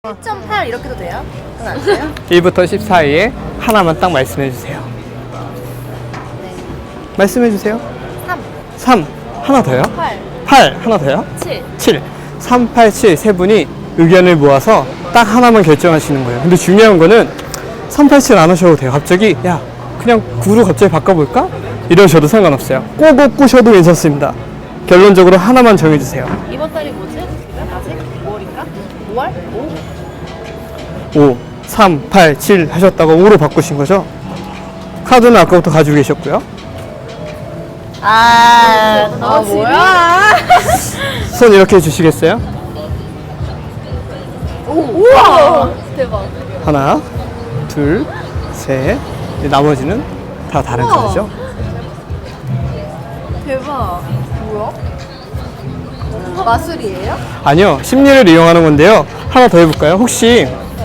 1.8 이렇게도 돼요? 그건 안 돼요? 1부터 10 사이에 하나만 딱 말씀해 주세요. 네. 말씀해 주세요. 3, 3 하나 더요? 8, 8 하나 더요? 7. 7 3, 8, 7 세 분이 의견을 모아서 딱 하나만 결정하시는 거예요. 근데 중요한 거는 3, 8, 7 안 하셔도 돼요. 갑자기 야 그냥 9로 갑자기 바꿔볼까? 이러셔도 상관없어요. 꼬고 꼬셔도 괜찮습니다. 결론적으로 하나만 정해주세요. 이번 달이 뭐지? 아직? 5월인가? 5월? 5? 5, 3, 8, 7 하셨다가 5로 바꾸신 거죠? 카드는 아까부터 가지고 계셨고요. 뭐야? 손 이렇게 해주시겠어요? 우와! 대박. 하나, 둘, 셋. 나머지는 다 다른 우와. 카드죠? 대박. 뭐야? 마술이에요? 아니요, 심리를 이용하는 건데요. 하나 더 해볼까요? 혹시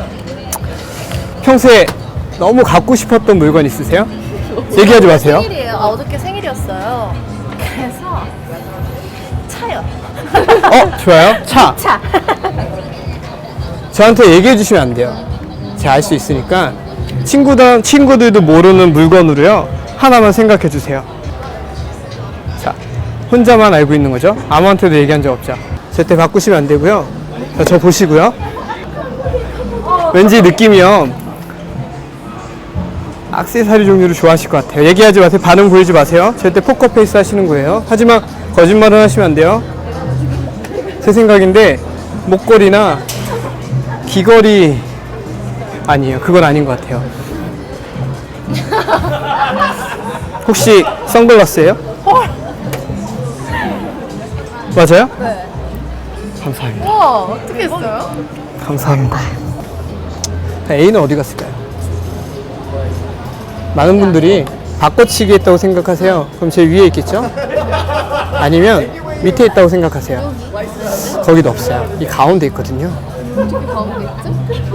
평소에 너무 갖고 싶었던 물건 있으세요? 얘기하지 마세요. 생일이에요. 어저께 생일이었어요. 그래서 차요. 좋아요. 차. 차. 저한테 얘기해 주시면 안 돼요. 제가 알 수 있으니까 친구들도 모르는 물건으로요. 하나만 생각해 주세요. 자, 혼자만 알고 있는 거죠. 아무한테도 얘기한 적 없죠. 절대 바꾸시면 안 되고요. 자, 저 보시고요. 왠지 느낌이요. 액세서리 종류를 좋아하실 것 같아요. 얘기하지 마세요. 반응 보이지 마세요. 절대 포커페이스 하시는 거예요. 하지만 거짓말은 하시면 안 돼요. 제 생각인데 목걸이나 귀걸이 아니에요. 그건 아닌 것 같아요. 혹시 선글라스예요? 맞아요? 네. 감사합니다. 우와, 어떻게 했어요? 감사합니다. A는 어디 갔을까요? 많은 분들이 바꿔치기 했다고 생각하세요. 그럼 제 위에 있겠죠? 아니면 밑에 있다고 생각하세요. 거기도 없어요. 이 가운데 있거든요. 어떻게 가운데 있지?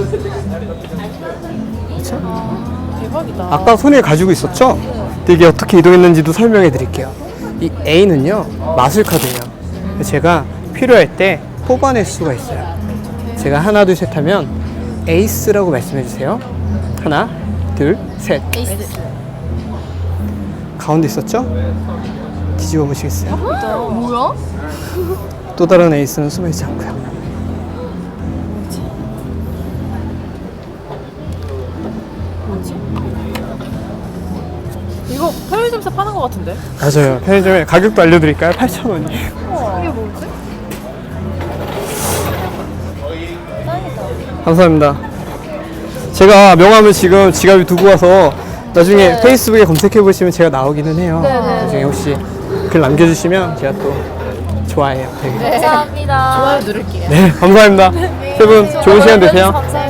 그렇죠? 대박이다. 아까 손에 가지고 있었죠? 이게 어떻게 이동했는지도 설명해 드릴게요. 이 A는요, 마술 카드예요. 제가 필요할 때 뽑아낼 수가 있어요. 제가 하나, 둘, 셋 하면 에이스라고 말씀해 주세요. 하나, 둘, 셋. 에이스. 가운데 있었죠? 뒤집어 보시겠어요? 뭐야? 또 다른 에이스는 숨어 있지 않고요. 이거 편의점에서 파는 것 같은데? 맞아요. 편의점에 가격도 알려드릴까요? 8,000원이에요. 이게 뭐지? 짱이다. 감사합니다. 제가 명함을 지금 지갑에 두고 와서 나중에 네. 페이스북에 검색해 보시면 제가 나오기는 해요. 네네. 나중에 혹시 글 남겨주시면 제가 또 좋아해요. 되게. 감사합니다. 좋아요 누를게요. 네, 감사합니다. 세 분 좋은 시간 되세요. 감사합니다.